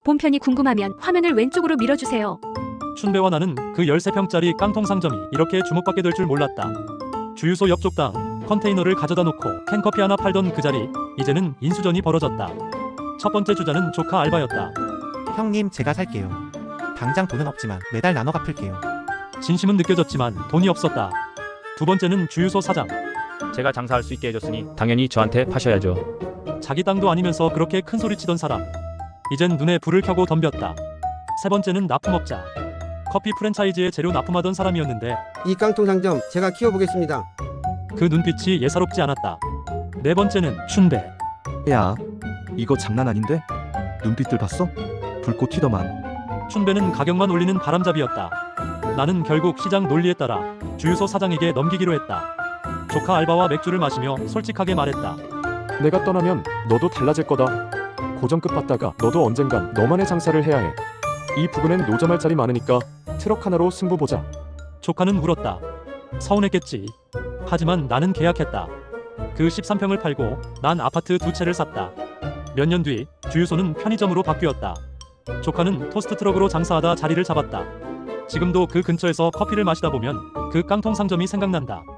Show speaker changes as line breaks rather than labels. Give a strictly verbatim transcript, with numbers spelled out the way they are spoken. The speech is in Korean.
본편이 궁금하면 화면을 왼쪽으로 밀어주세요.
춘배와 나는 그 십삼 평짜리 깡통 상점이 이렇게 주목받게 될 줄 몰랐다. 주유소 옆 쪽당 컨테이너를 가져다 놓고 캔커피 하나 팔던 그 자리, 이제는 인수전이 벌어졌다. 첫 번째 주자는 조카 알바였다.
형님, 제가 살게요. 당장 돈은 없지만 매달 나눠 갚을게요.
진심은 느껴졌지만 돈이 없었다. 두 번째는 주유소 사장.
제가 장사할 수 있게 해줬으니 당연히 저한테 파셔야죠.
자기 땅도 아니면서 그렇게 큰 소리 치던 사람. 이젠 눈에 불을 켜고 덤볐다. 세 번째는 납품업자. 커피 프랜차이즈에 재료 납품하던 사람이었는데
이 깡통 상점 제가 키워보겠습니다.
그 눈빛이 예사롭지 않았다. 네 번째는 춘배.
야, 이거 장난 아닌데? 눈빛들 봤어? 불꽃 튀더만.
춘배는 가격만 올리는 바람잡이였다. 나는 결국 시장 논리에 따라 주유소 사장에게 넘기기로 했다. 조카 알바와 맥주를 마시며 솔직하게 말했다.
내가 떠나면 너도 달라질 거다. 고정급 받다가 너도 언젠간 너만의 장사를 해야 해. 이 부근엔 노점할 자리 많으니까 트럭 하나로 승부 보자.
조카는 울었다. 서운했겠지. 하지만 나는 계약했다. 그 십삼 평을 팔고 난 아파트 두 채를 샀다. 몇 년 뒤 주유소는 편의점으로 바뀌었다. 조카는 토스트 트럭으로 장사하다 자리를 잡았다. 지금도 그 근처에서 커피를 마시다 보면 그 깡통 상점이 생각난다.